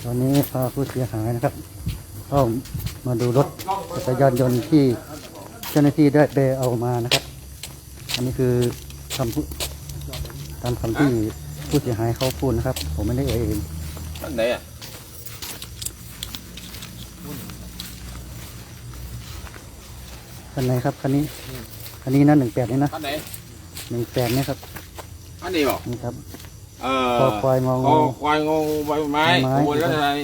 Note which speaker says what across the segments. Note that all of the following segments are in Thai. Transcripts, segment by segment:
Speaker 1: ตอนนี้พาผู้เสียหายนะครับเข้ามาดูรถจักรยานยนต์ที่เจ้าหน้าที่ได้ไปเอามานะครับอันนี้คือตามคำที่ผู้เสียหายเขาพูดนะครับผมไม่ได้เอ่ยเอง
Speaker 2: ท่านไหนอ่ะ
Speaker 1: คันไหนครับคันนี้นะ18นี่นะ
Speaker 2: ท่านไหน
Speaker 1: 18เนี่ยครับ
Speaker 2: ท่านนี้บอก
Speaker 1: นี่ครับ
Speaker 2: คอ
Speaker 1: ควายงองู
Speaker 2: ควายงองูใบไม้
Speaker 1: ไม้
Speaker 2: ขบวนรัชดา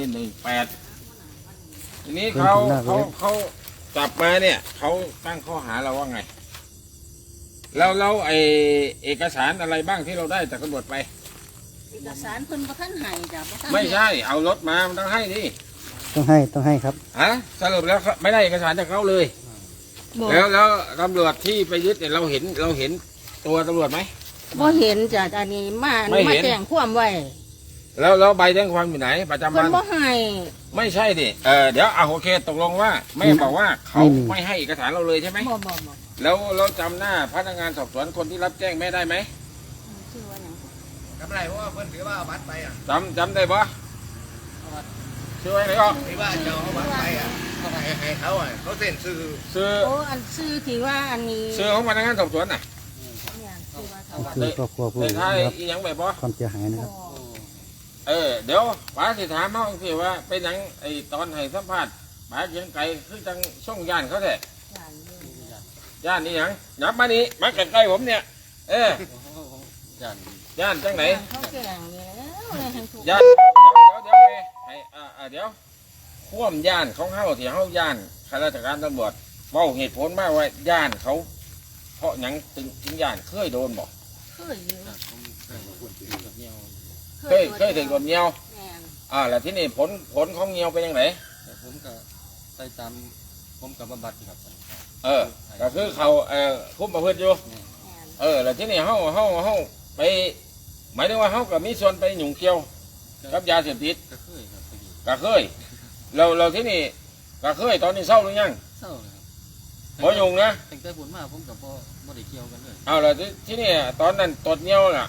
Speaker 2: 18ทีนี้เขาจับมาเนี่ยเขาตั้งข้อหาเราว่าไงแล้วไอเอกสารอะไรบ้างที่เราได้จากตำรวจไป
Speaker 3: เอกสารเพิ่นบ่ทันให้จ้ะบ่ทัน
Speaker 2: ไม่ใช่เอารถมามันต้องให้ดิ
Speaker 1: ต้องให้ครับ
Speaker 2: ฮะสรุปแล้วไม่ได้เอกสารจากเขาเลย
Speaker 3: บ่
Speaker 2: แล้วตำรวจที่ไปยึดเนี่ยเราเห็นตัวตำรวจไหม
Speaker 3: บ่เห็นจ้ะอันนี้มา
Speaker 2: ไม่เห็น
Speaker 3: แจ้งความไว้
Speaker 2: แล้วใบแจ้งความอยู่ไหนประจำ
Speaker 3: เพิ่
Speaker 2: วัน น
Speaker 3: บ่ให้
Speaker 2: ไม่ใช่ดิเดี๋ยวโอเคตกลงว่าแม่บอกว่าเขา
Speaker 1: ไม่มี
Speaker 2: ไม่ให้เอกสารเราเลยใช่ไหม
Speaker 3: บ่
Speaker 2: แล้วเราจำหน้าพนักงานสอบสวนคนที่รับแจ้งแม่ได้ไหม
Speaker 3: ชื่อว่าหยัง
Speaker 4: จำไรเพราะว่าเพิ่นถือว่าเอาบัตรไปอ่ะ
Speaker 2: จำได้ปะชื่ออะไรก็
Speaker 4: ถือว่าจะเอาบัตรไปอ่ะเขาให้เขาอ่ะเขาเซ็นชื่อ
Speaker 2: ซื้อ
Speaker 3: โอ้อันชื่อที่ว่าอันนี้
Speaker 2: ซื้อของพนักงานสอบสวนน่ะ
Speaker 3: เนี่ยชื่อว่าเขา
Speaker 1: คือครอบครัวผู้
Speaker 2: ใน
Speaker 1: ได้
Speaker 2: ท้าย
Speaker 1: รับ
Speaker 2: อีหยังแบบปะ
Speaker 1: ความเสียหายนะครับ
Speaker 2: เดี๋ยวป๋าสิถามเขาสิว่าเป็นหยังไอตอนให้สัมภาษณ์ป๋าเขียนไก่คือจังช่องย่านเขาแท้ย่านนี่หยังนับมานี่มาใกล้ๆผมเนี่ยย่านจังไหน
Speaker 3: เขาแจ้งนี่แล้วเลยให้ถูก
Speaker 2: ย่านเดี๋ยวไปให้เดี๋ยวข่วมย่านของเขาที่เขาย่านข้าราชการตำรวจเว้าเหตุผลมาว่าย่านเขา เพราะหยังถึงย่านเคยโดนบอก
Speaker 3: เคยอยู่
Speaker 2: เคยถึงโดนเงียว
Speaker 3: แม่น
Speaker 2: แล้วที่นี่ผลของเงียวเป็นยังไง
Speaker 5: ผมก็ไปตามผมกับบำบัดครับ
Speaker 2: ก็คือเขาคุมประพฤติอยู่
Speaker 3: แม่น
Speaker 2: แล้วที่นี่เขาไปหมายถึงว่าเขาก็มีส่วนไปหยุ่งเกี่ยวกับยาเสพติด
Speaker 5: ก็เคยครับไปอยู่
Speaker 2: ก็เคยเราที่นี่ก็เคยตอนนี้เศร้าหรือยัง
Speaker 5: เศร้าเลยครับ
Speaker 2: บ่ยุ่งนะ
Speaker 5: ตั้งแต่ผลมาผมกับพ่อได้เกี่ยวกันเลย
Speaker 2: แล้วที่นี่ตอนนั้นตรวจเงียวน่ะ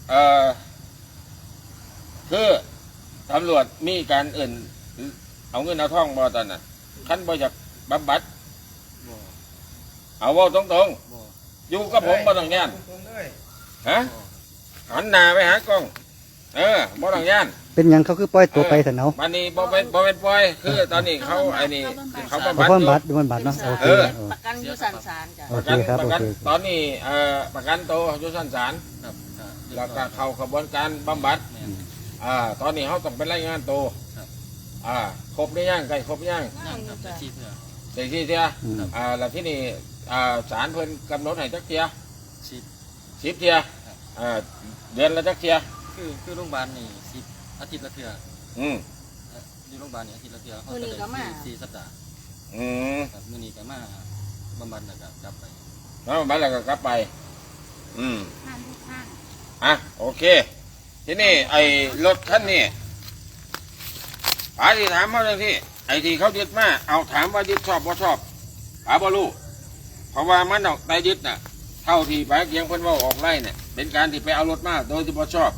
Speaker 2: คือตำรวจมีการอื่นเอาเงินเอาทองบ่ตอนนั้นคันบ่อยากบำบัด
Speaker 5: บ่
Speaker 2: เอาเว่าตรง
Speaker 5: บ่
Speaker 2: ๆอยู่กับผมบ่ต้องย่าน
Speaker 4: ผมเลย
Speaker 2: ฮะหันหน้าไปหากล้องบ่ต้องย่าน
Speaker 1: เป็นหยังเขาคือปล่อยตัวไปแต่เนาะ
Speaker 2: มันนี่บ่เป็นปล่อยคือตอนนี้เขาไอ้นี่เขาบำ
Speaker 1: เอา
Speaker 2: บัด
Speaker 1: ความ
Speaker 2: อยู่
Speaker 1: บัตรดูมันบัตรเนาะโอเค
Speaker 3: ประกันอยู่สันสารจ้ะ
Speaker 1: โอ
Speaker 2: ประ
Speaker 1: เค
Speaker 2: กัน
Speaker 1: ครับ
Speaker 2: ประ
Speaker 1: โอ
Speaker 2: กัน
Speaker 1: เค
Speaker 2: ตอนนี้ประกันตัวอยู่ชั้นศาล
Speaker 5: ครับ
Speaker 2: แล้วก็เข้าขบวนการบำบัด
Speaker 5: แม่น
Speaker 2: ตอนนี้เขาต้องเป็นรายงานตัว
Speaker 5: ครับ
Speaker 2: ครบหรือยังใกล้ครบหรือยัง
Speaker 5: นั่งครับแต่ชีเถื่อ
Speaker 2: เด็กที่เทีย
Speaker 1: อืม
Speaker 2: แล้วที่นี่ศาลเพิ่นกำหนดให้จักเทีย
Speaker 5: ชีพ
Speaker 2: 10 เทียเดือนละจักเทีย
Speaker 5: คือโรงพยาบาลนี่10 อาทิตย์ละเถื่อ
Speaker 2: อืม
Speaker 5: อยู่โรงพยาบาลนี่อาทิตย์ละเถื่อเขา
Speaker 3: มื้อ
Speaker 5: จะ
Speaker 3: นี้
Speaker 5: ได้
Speaker 3: ก็มา
Speaker 5: 4 สัปดาห์
Speaker 2: อืม
Speaker 5: ครับมื้อนี้ก็มาบำบัดแล้วก็กลับไป
Speaker 2: แล้วบำบัดแล้วก็กลับไป อืม
Speaker 3: ท่านทุกท่าน
Speaker 2: โอเค ที่นี่ไอ้รถคันนี้ป๋าที่ถามเขาเลยที่ไอ้ที่เขายึดมาเอาถามว่ายึดชอบบ่ชอบป๋าบ่รู้เพราะว่ามันออกได้ยึดน่ะ เท่าที่ป๋าเกียงเพิ่นเว่าออกไล่เนี่ยเป็นการที่ไปเอารถมาโดยที่บ่ชอบ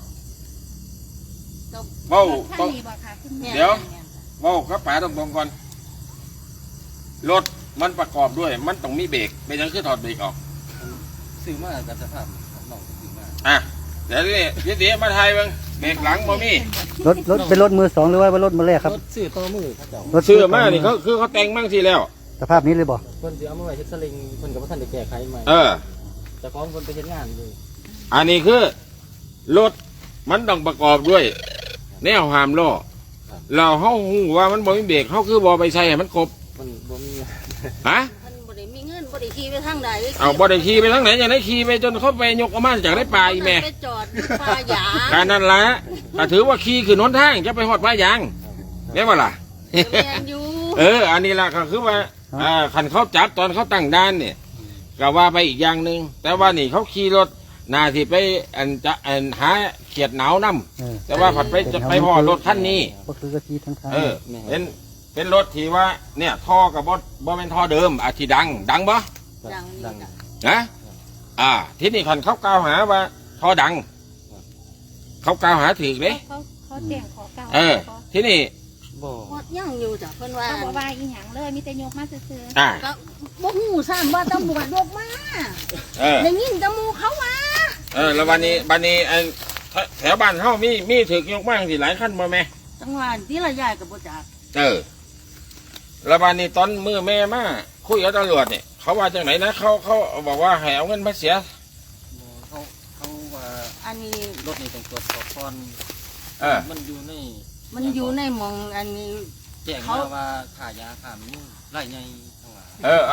Speaker 2: เว้าต้อง เดี๋ยว เว่ากับป๋าตรงๆก่อนรถมันประกอบด้วย มันต้องมีเบรกเป็นหยังคือถอดเบรกออก
Speaker 5: ซื้อมากับสภาพของน้องก็ซื้อมา
Speaker 2: เดี๋ยวนี่เดี๋ยวมาไทยเบิ่งเบรกหลังบ่มี
Speaker 1: รถเป็นรถมือสองหรือว่ารถมือแรกครับ
Speaker 5: รถซื้อต่อมือเขาเจ้าร
Speaker 1: ถ
Speaker 2: ซื้อมานี่เขาคือเขาแต่งมั่งทีแล้ว
Speaker 1: สภาพนี้เลยบ่
Speaker 5: เพิ่นสิเอามาไว้เฮ็ดสลิงเพิ่นก็บ่ทันได้แก้ไขใหม่ เจ้าของเพิ่นไปเฮ็ดงานอยู่
Speaker 2: อันนี้คือรถมันต้องประกอบด้วย แนวหามล้อเราเขาหูว่ามันบ่มีเบรกเขาคือบ่ไปใส่ให้มันครบ
Speaker 5: มันบ่มี
Speaker 2: ฮะ
Speaker 3: ท่านบ่ได้มีเงินบ่ได้ขี่ไปทางใด
Speaker 2: เอาบ่ได้ขี่ไปทางไหนอย่างไรขี่ไปจนเขาไปยกออกมาจากได้ปลาอีแม่
Speaker 3: ไปจอดป่าหยา
Speaker 2: การนั้นละแต่ถือว่าขี่คือหนทางจะไปหอดปลายางแม่นบ่ล่ะ
Speaker 3: แม่นอยู่
Speaker 2: อันนี้ล่ะก็คือว่าขันเขาจับตอนเขาตั้งด่านเนี่ยก็ว่าไปอีกอย่างหนึ่งแต่ว่านี่เขาขี่รถนาที่ไปหาเขียดหนาวน้ำแต่ว่าผัดไปพอรถคันนี้
Speaker 1: ก็คือกะทิทั้งทาง
Speaker 2: เป็นรถที่ว่าเนี่ยท่อกับ่เป็นท่อเดิมที่ดังบ่
Speaker 3: ดังนี่จ้ะ
Speaker 2: นะที่นี่ขันเขากล่าวหาว่าท่อดังเขากล่าวหาถือเลย
Speaker 6: เขาแจ้งขอกล่าว
Speaker 2: ที่นี่
Speaker 5: บ่
Speaker 3: ฮอดยังอยู่จ้ะเพิ่นว่า
Speaker 6: เขาบอกว่าอีหยังเลยมีแต่ยกมาซื่อ
Speaker 2: อ่า
Speaker 3: ก็บ่ฮู้ซ้ำว่าตำรวจยกมา
Speaker 2: เออ
Speaker 3: ได้ยินแต่หมู่เขาว่า
Speaker 2: แล้ววันนี้ไอ้แถวบ้านเฮามีถึกยกมากสิหลายขั้นบ่แม่
Speaker 3: จังหวะที่ละยายก็บ่จัก
Speaker 2: แล้ววันนี้ตอนมือแม่มาคุยกับตำรวจเนี่ยเขาว่าจังไหนนะเขาบอกว่าให้เอาเงินมาเสีย
Speaker 5: เขาว่า
Speaker 3: อันนี้
Speaker 5: รถนี่ต้องตรวจสอบก่อน มันอยู่ใน
Speaker 3: มันอยู่ในหมองอันนี้
Speaker 5: แจ้งมาว่าขายาขามีไร่ใหญ่ทั้งหลาย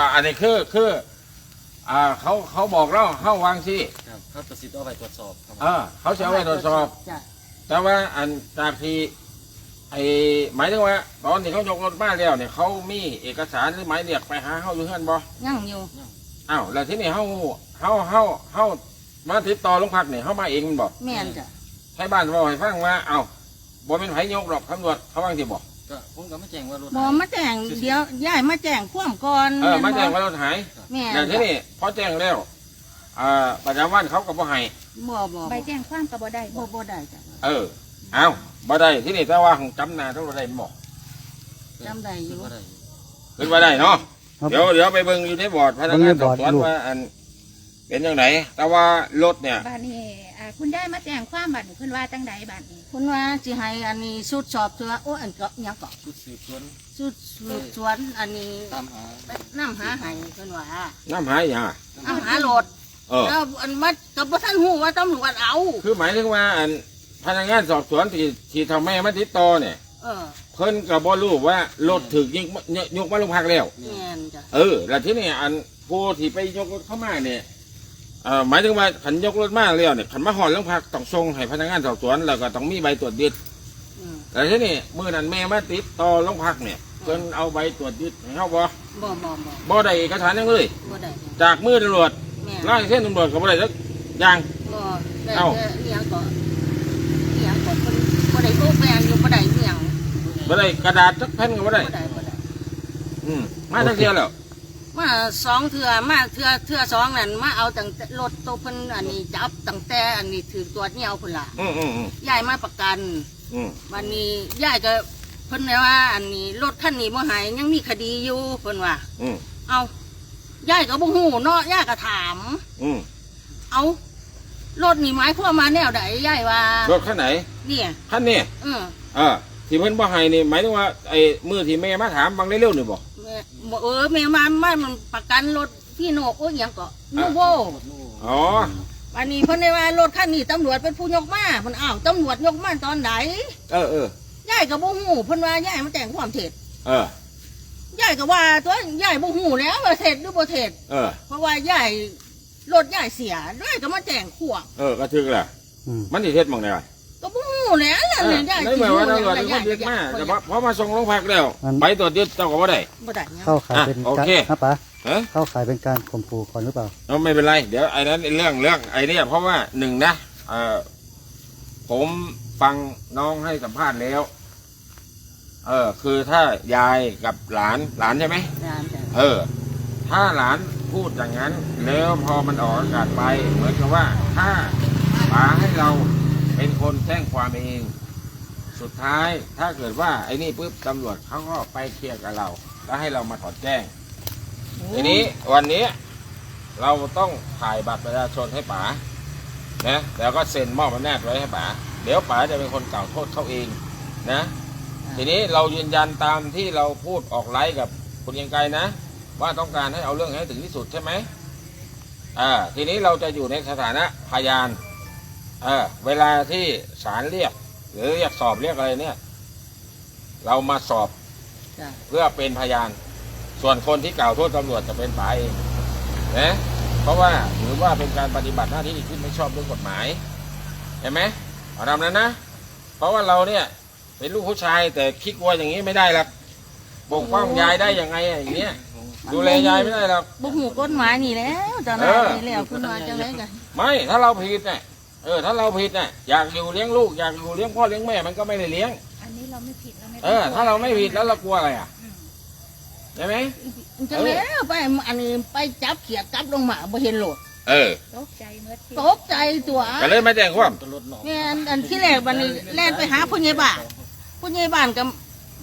Speaker 2: อันนี้คือเขาบอกเราเข้าวางสิ
Speaker 5: ครับเขาตัดสินเอาไปตรวจสอบครับ
Speaker 2: เขาจะเอาไว้ตรวจสอบ
Speaker 3: จ้ะ
Speaker 2: แต่ว่าอันจากที่หมายถึงว่าตอนที่เขายกรถมาแล้วเนี่ยเขามีเอกสารหรือหมายเรียกไปหาเขาอยู่เฮือนบ่
Speaker 3: ยังอยู่
Speaker 2: อ้าวแล้วที่นี่เขามาติดต่อโรงพักเนี่ยเขามาเองมันบอก
Speaker 3: แม่นจ้ะ
Speaker 2: ให้บ้านบอกให้ฟังว่าบ่เป็นไผยกหรอกตำรวจเขาว่าที่บอก
Speaker 5: ก็ผมก็ไม่แจ้งว่ารถ
Speaker 3: บ่มาแจ้งเดี๋ยวยายมาแจ้งความก่อน
Speaker 2: มาแจ้งว่ารถหาย
Speaker 3: แม่น
Speaker 2: แต่ที่นี่พอแจ้งแล้วประจำวันเขาก็บ่ให้
Speaker 3: บ่
Speaker 6: ๆใบแจ้งความก็บ่ได้บ่
Speaker 3: บ่ได้จ้ะ
Speaker 2: เอาบ่ได้ที่นี่แต่ว่าของจำหนาเท่าไรบอก
Speaker 3: จำได้อยู่
Speaker 5: ก็ได้
Speaker 2: ขึ้นมาได้เนาะ
Speaker 1: ครับ
Speaker 2: เดี๋ยวไปเบิ่งอยู่ในบอร์ดพนักงานสอบสวนว่าอันเป็นยังไงแต่ว่ารถเนี่ย
Speaker 6: บ้านนี้คุณได้มาแจ้งความบัดนี้เพิ่นว่าจังใดบัดนี้
Speaker 3: คุณว่าสิให้อันนี้ชุดสอบสวนโอ้อันก็หยังก็
Speaker 5: ชุดสืบสวน
Speaker 3: ชุดสืบสวนอันนี้
Speaker 5: ตามหา
Speaker 3: ไปน้ำหาให้เพิ่นว่า
Speaker 2: น้ำหายอย่าง
Speaker 3: น้ำหารถ แล้วอันมัดกับบ่ทันฮู้ว่าตำรวจเอา
Speaker 2: คือหมายถึงว่าอันพนักงานสอบสวนที่ทำแม่มาติดต่อเนี่ย
Speaker 3: เออ
Speaker 2: เพิ่นก็บ่รู้ว่ารถถึกยกมาโรงพักแล้ว
Speaker 3: แม่นจ้ะ
Speaker 2: แล้วที่นี่อันผู้ที่ไปยกรถเข้ามาเนี่ยหมายถึงว่าขันยกรถมาแล้วเนี่ยขันมาหอดโรงพักต้องส่งให้พนักงานสอบสวนแล้วก็ต้องมีใบตรวจยึด
Speaker 3: อืม
Speaker 2: แต่ที่นี่เมื่อนั้นแม่มาติดต่อโรงพักเนี่ยเพิ่นเอาใบตรวจยึดให้เขาบ่
Speaker 3: บ่
Speaker 2: ได้เอกสารหยังเลย
Speaker 3: บ่ได้
Speaker 2: จากมือตำรวจ
Speaker 3: แม่
Speaker 2: ไล่เส้นตำรวจก็บ่ได้สักอย่าง
Speaker 3: บ่ได้
Speaker 2: เอ้า
Speaker 3: แต่อีหยังก็อีหยังก็เพิ่นบ่ได้โอ้แปลงอยู่บ่ได้อีหยัง
Speaker 2: บ่ได้กระดาษสักแผ่นก็บ่ได้
Speaker 3: บ่ได้
Speaker 2: มาทั้งเทียแล้ว
Speaker 3: มาสองเทื่อมาเทื่อสองนั่นมาเอาตั้งแต่รถตัวเพิ่นอันนี้จับตั้งแต่อันนี้ถือตรวจเหนี่ยวพุ่นล่ะ
Speaker 2: อืม
Speaker 3: ยายมาประกัน วันนี้ยายก็เพิ่นเลยว่าอันนี้รถคันนี้บ่หายยังมีคดีอยู่เพิ่นว่า เอายายก็บ่ฮู้เนาะยายก็ถาม เอารถนี่หมายความมาแนวใดยายว่าร
Speaker 2: ถคันไหน
Speaker 3: เนี่ย
Speaker 2: คันนี้ที่เพิ่นบ่ให้นี่หมายถึงว่าไอ้มือที่แม่มาถามบางเร็วๆนี่บ่
Speaker 3: แม่แม่มามันประกันรถพี่โนกโอ้ยหยังก็นูโว
Speaker 2: อ๋อ
Speaker 3: วันนี้เพิ่นได้ว่ารถคันนี้ตำรวจเป็นผู้ยกมาเพิ่นอ้าวตำรวจยกมาตอนไหน ยายก็บ่ฮู้เพิ่นว่ายายมาแจ้งความเท็จยายก็ว่าตัวยายบ่ฮู้แล้วว่าเท็จหรือบ่เท็จเพราะว่ายายรถยายเสียยายก็มาแจ้งขวาง
Speaker 2: ก็ถึกแหละมันสิเฮ็ดหม่องใด
Speaker 3: ก็บ่ฮู้แล้วนั่นยาย
Speaker 2: ในเมื่อว่าตำรวจเป็นคนยึดมาแต่พอมาส่งโรงพักแล้วใบตรวจยึดเจ้าก็บ่ได้
Speaker 3: บ่ได้หยัง
Speaker 1: เข้าขายเป็น
Speaker 2: โอเค
Speaker 1: ครับป๋าเข้าขายเป็นการข่มขู่ก่อนหรือเปล่า
Speaker 2: ไม่เป็นไรเดี๋ยวไอ้นั้นเรื่องไอ้นี่เพราะว่าหนึ่งนะผมฟังน้องให้สัมภาษณ์แล้ว คือถ้ายายกับหลานใช่ไหม ถ้าหลานพูดอย่างนั้นแล้วพอมันออกอากาศไปเหมือนกับว่าถ้าป๋าให้เราเป็นคนแจ้งความเองสุดท้ายถ้าเกิดว่าไอ้นี่ปุ๊บตำรวจเขาก็ไปเคลียร์กับเราแล้วให้เรามาถอนแจ้งทีนี้วันนี้เราต้องถ่ายบัตรประชาชนให้ป๋านะแล้วก็เซ็นมอบอำนาจไว้ให้ป๋าเดี๋ยวป๋าจะเป็นคนกล่าวโทษเขาเองนะทีนี้เรายืนยันตามที่เราพูดออกไลฟ์กับคุณยังไกลนะว่าต้องการให้เอาเรื่องให้ถึงที่สุดใช่ไหมทีนี้เราจะอยู่ในสถานะพยานเวลาที่ศาลเรียกหรือเรียกสอบเรียกอะไรเนี่ยเรามาสอบเพื่อเป็นพยานส่วนคนที่กล่าวโทษตำรวจจะเป็นฝ่ายเองนะเพราะว่าถือว่าเป็นการปฏิบัติหน้าที่ที่ไม่ชอบด้วยกฎหมายเห็นไหมเอาทำนั้นนะเพราะว่าเราเนี่ยเป็นลูกผู้ชายแต่คิดว่าอย่างนี้ไม่ได้หรอกปกป้องยายได้ยังไงอย่างเงี้ยดูแลยายไม่ได้หรอก
Speaker 3: บ่ฮู้กฎหมายนี่แล้วตอนนั้นนี่แล้วคุณว่าจังได๋กัน
Speaker 2: ไม่ถ้าเราผิดเนี่ยถ้าเราผิดเนี่ยอยากอยู่เลี้ยงลูกอยากอยู่เลี้ยงพ่อเลี้ยงแม่มันก็ไม่ได้เลี้ยง
Speaker 6: อันนี้เราไม่ผิดเราไม่
Speaker 2: ถ้าเราไม่ผิดแล้วเรากลัวอะไรใช่ไหม
Speaker 3: จังแล้วไปอันนี้ไปจับเขียดจับลงมาบ่เห็นโหลด
Speaker 6: ตกใจเมื่อ
Speaker 3: ตกใจตัว
Speaker 2: ก็เลยมาแจ้งความ
Speaker 3: แม่อันที่แรกบัดนี้แล่นไปหาผู้ใหญ่บ้านผู้ใหญ่บ้านก็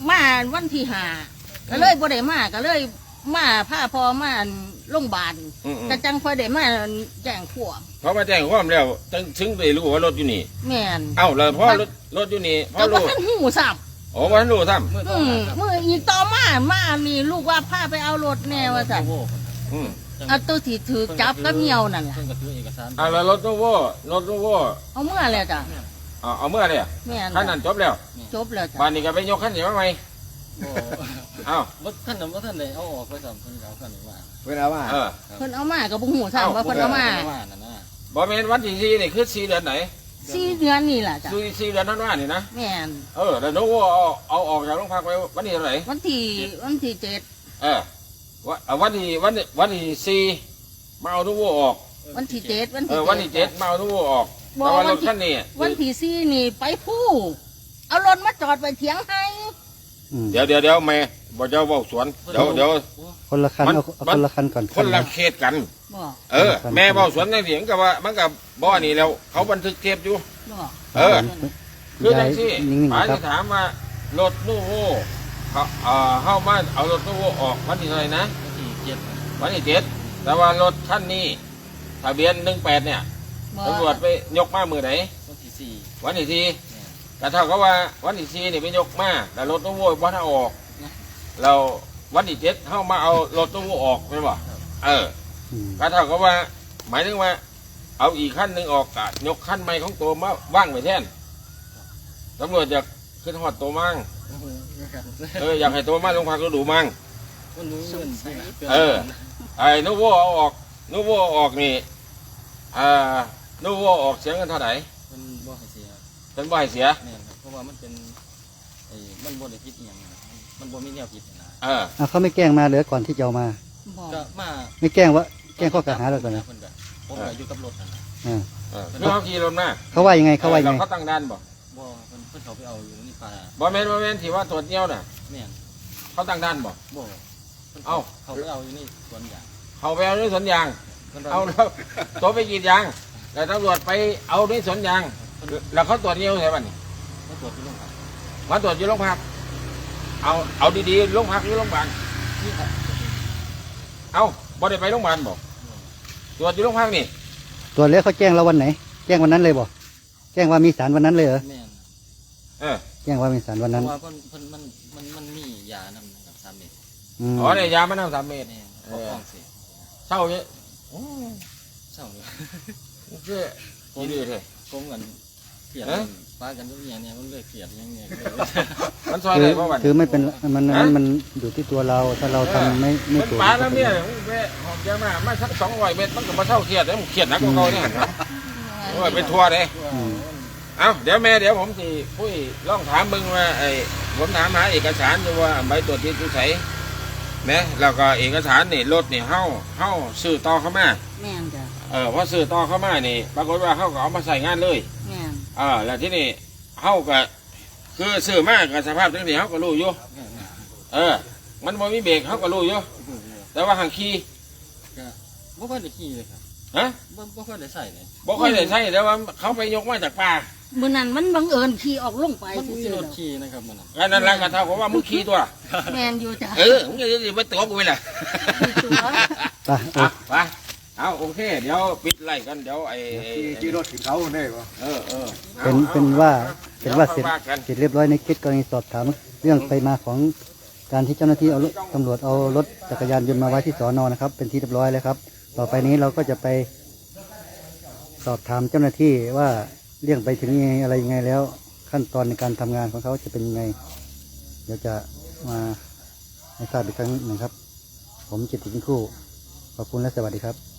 Speaker 3: มาวันที่ห้าก็เลยบ่ได้มาก็เลยมาพาพ่อมาโรงพยาบาลกระจังพอได้มาแจ้งความ
Speaker 2: เพราะมาแจ้งความแล้วถึงได้รู้ว่ารถอยู่นี่
Speaker 3: แม่น
Speaker 2: เอ้าแล้วพอรถอยู่นี่พอ
Speaker 3: ก็บ่
Speaker 2: รู้
Speaker 3: ทันหูสับ
Speaker 2: โอ้บ่ทันรู้ซ้
Speaker 3: มืออีกต่อมานี่ลูกว่าพาไปเอารถแน่ว่าซั่น
Speaker 2: ำอืม
Speaker 3: เอาตัวที่ถือจับกับเหี่ยวนั่นล่ะ
Speaker 5: เพิ่นก็ถือเอกสาร
Speaker 2: เอาแล้วรถตู้โว่รถตู้โว่
Speaker 3: เอาเมื่อแล้วจ้ะ
Speaker 2: เอาเมื่อเนี่ย
Speaker 3: แม่น
Speaker 2: ขั้นนั้นจบแล้ว
Speaker 3: จบแล้วจ้ะ
Speaker 2: บ้านนี้ก็ไปยกขั้นนี้มาไหม
Speaker 5: บ่
Speaker 2: เอ้า
Speaker 5: บ่ท่านน่ะบ่ท่านได้เอาออกไปซ้ํเพิ่นก็เอาคันนี้มา
Speaker 4: เวลาว่า
Speaker 2: เออ
Speaker 3: เพิ่นเอามาก็บ่ฮู้ซ้ํว่าเพิ่นเอามา
Speaker 5: นั่นน่ะ
Speaker 2: บอเมนวันที่สี่นี่คือ4 เดือนไหน
Speaker 3: 4 เดือนนี่ล่ะจ้ะ
Speaker 2: 4 เดือนท่านว่านี่นะ
Speaker 3: แม่น
Speaker 2: เออแล้วนู้เอาออกจากโรงพักไปวันที่เท่าไหร่
Speaker 3: วันที่7
Speaker 2: เออวันที่สี่มาเอานู้ออก
Speaker 3: วันที่7วันที่
Speaker 2: วันที่7มาเอานู้ออกแต่ว่ารถขั้นนี้
Speaker 3: วันที่4นี่ไปผู้เอารถมาจอดไว้เถียงให้
Speaker 1: อืม
Speaker 2: เดี๋ยวแม่บ่เจ้าเว้าสวนเดี๋ยว
Speaker 1: คนละคัน
Speaker 2: มัน
Speaker 1: เอาคนละคันก่อน
Speaker 2: คนละเขตกัน
Speaker 3: บ่
Speaker 2: เออ แม่เว้าสวนในเสียงก็ว่ามันก็บ่นี่แล้วเขาบันทึกเทปอยู่
Speaker 3: บ่
Speaker 2: เออ คือจั
Speaker 1: ยาย
Speaker 2: งซี่
Speaker 1: นิ่ง
Speaker 2: ป๋า
Speaker 1: ๆครั
Speaker 2: จะ
Speaker 1: บ
Speaker 2: ถามว่ารถนู่โวเข้ามาเอารถนู่โวออกวันที่เท่าไหร่นะ
Speaker 5: ที่7
Speaker 2: วันที่7แต่ว่ารถคันนี้ทะเบียน18เนี่ย
Speaker 3: บ่
Speaker 2: ตำรวจไปยกมามือไหน
Speaker 5: วันที่4
Speaker 2: วันที่4แต่เท่ากับว่าวันที่4นี่ไปยกมาแต่รถนู่โวบ่ถ้าออกเราวันที่7เข้ามาเอารถนู่โวออกไม่นบ่เออ
Speaker 1: อืม
Speaker 2: ก็เท่ากับว่า หมายถึงว่า เอาอีกขั้นหนึ่งออกกะยกขั้นใหม่ของตัวมาว่างไว้แทนตำรวจจะขึ้นหอดตัวมั่งอยากให้ตัวมาลงพักก็ดูมั่ง
Speaker 5: มันรู้เงินใช่
Speaker 2: เออ ไอ้นูโวเอาออกนูโวออกนี่นูโวออกเสียเงินเท่าไหร่
Speaker 5: มันบ่ให้เสีย
Speaker 2: เป็นบ่ให้เสีย
Speaker 5: แม่นครับเพราะว่ามันเป็นมันบ่ได้ผิดอีหยังมันบ่มีแนวผิดนะ
Speaker 2: เออ
Speaker 1: อ่ะเขาไม่แกล้งมาเลยก่อนที่จะเอามา
Speaker 3: บ่
Speaker 5: ก็มา
Speaker 1: ไม่แกล้งว่าแกล้งข้อกล่าวหาเราก่อนนะ
Speaker 5: เพิ่นก็ผมก็อยู่กับรถนั่นน่ะ
Speaker 1: อ่า
Speaker 2: คือเขาขี่รถมา
Speaker 1: เขาว่ายังไงเขาว่ายัง
Speaker 2: เรา
Speaker 1: ไง
Speaker 2: เขาตั้งด่านบ่
Speaker 5: บ่เพิ่นเขาไปเอาอยู่นี่ป่า
Speaker 2: บ่แม่นที่ว่าตรวจเงี้ยวน่ะ
Speaker 5: แม่น
Speaker 2: เขาตั้งด่านบ่
Speaker 5: บ่เพิ่น
Speaker 2: เอ้า
Speaker 5: เขาไปเอาอยู่นี่สวนยาง
Speaker 2: เขาไปเอาในสวนยาง
Speaker 5: เพิ่น
Speaker 2: เอาแล้วตัวไปกรีดยางแล้วตำรวจไปเอาในสวนยาง แล้วเขาตรวจเงี้ยวใช่ป่ะนี่
Speaker 5: เขาตรวจที่โรงพัก
Speaker 2: มาตรวจอยู่โรงพักเอาดีๆโรงพักหรือโรงพยาบาล
Speaker 5: นี่ครับ
Speaker 2: เอาบ่ได้ไปโรงพยาบาลบ่ตรวจอยู่โรงพักนี่
Speaker 1: ตัวจแล้วเขาแจ้งเราวันไหน แจ้งวันนั้นเลยบ่แจ้งว่ามีสารวันนั้นเลยเหรอ
Speaker 5: แม่น
Speaker 2: เออ
Speaker 1: แจ้งว่ามีสารวัน
Speaker 5: เพ
Speaker 1: นั้น
Speaker 5: ราะว่ามันมียานำกับ3เม็ด
Speaker 1: อืม
Speaker 2: อ๋อเนี่ยยามัน3 เมตร
Speaker 5: แม่นเขาฟ้องสิ
Speaker 2: เศร้าเนี่ย
Speaker 5: เศร้าเลย
Speaker 2: คือดีดีเลย
Speaker 5: ผมกันเกลียดป้ากันทุกอย่างเนี่ยมันเลยเกลียดอย่างเงี้ย
Speaker 2: มันซอย
Speaker 1: คื
Speaker 2: ได้
Speaker 1: อ
Speaker 2: เพราะวัน
Speaker 1: คือไม่เป็นมันอยู่ที่ตัวเราถ้าเราทำไม่
Speaker 2: มัน
Speaker 1: ถูก
Speaker 2: ปลาแล้วเนี่ยแม่หอมเยอะมากมาสัก200 เมตรมันก็มาเศร้าเครียดแล้วมันเครียดหนักกว่าเขาเนี่ยโอ้ยเป็นทัวร์เลย
Speaker 1: อืม
Speaker 2: เอาเดี๋ยวแม่เดี๋ยวผมสิพุ้ยลองถามมึงว่าไอ้ผมถามหาเอกสารดูว่าใบตรวจที่tuใส่แม่แล้วก็เอกสารนี่รถนี่เฮาซื้อต่อเข้ามา
Speaker 3: แม่นจ้ะ
Speaker 2: พอซื้อต่อเข้ามานี่ปรากฏว่าเขาก็เอามาใส่งานเลย
Speaker 3: แม่น
Speaker 2: แล้วที่นี่เฮาก็คือซื้อมากกับสภาพจังซี่เฮาก็รู้อยู่มันบ่มีเบรกเฮาก็รู้อยู่แต่ว่าหังขี่
Speaker 5: บ่ค่อยได้ขี่เลยครับ
Speaker 2: ฮะ
Speaker 5: บ่ค่อยได้ใส่เลย
Speaker 2: บ่ค่อยได้ใช้แต่ว่าเขาไปยกมาจากป่า
Speaker 3: มื้อนั้นมันบังเอิญขี่ออกลงไป
Speaker 5: มันมี
Speaker 3: ซื่อ
Speaker 5: ร
Speaker 3: ๆ
Speaker 5: ถ
Speaker 3: แล้ว
Speaker 5: ขี่นะครับมันน่ะ
Speaker 2: อันนั้นแหละก็เท่ากับว่ามึงขี่ตัว
Speaker 3: แม่นอยู่จ้ะ
Speaker 2: มึงจะไปตัวกูไปล่ะ
Speaker 3: ตัว
Speaker 1: ไป
Speaker 2: เอาโอเค เดี๋ยวปิดไล่กันเดี๋ยว
Speaker 4: ขี่รถถึงเขาได้ปะ
Speaker 1: เป็นว่าเสร็จ
Speaker 2: ว่ากัน
Speaker 1: เสร็จเรียบร้อยในคลิปกรณีสอบถามเรื่องไปมาของการที่เจ้าหน้าที่เอาตำรวจเอารถจักรยานยนต์มาไว้ที่สนนะครับ เป็นที่เรียบร้อยแล้วครับ ต่อไปนี้เราก็จะไปสอบถามเจ้าหน้าที่ว่าเรื่องไปถึงยังไงอะไรยังไงแล้ว ขั้นตอนในการทำงานของเขาจะเป็นยังไง เดี๋ยวจะมาให้ทราบอีกครั้งหนึ่งครับ ผมจิตติงคู่ขอบคุณและสวัสดีครับ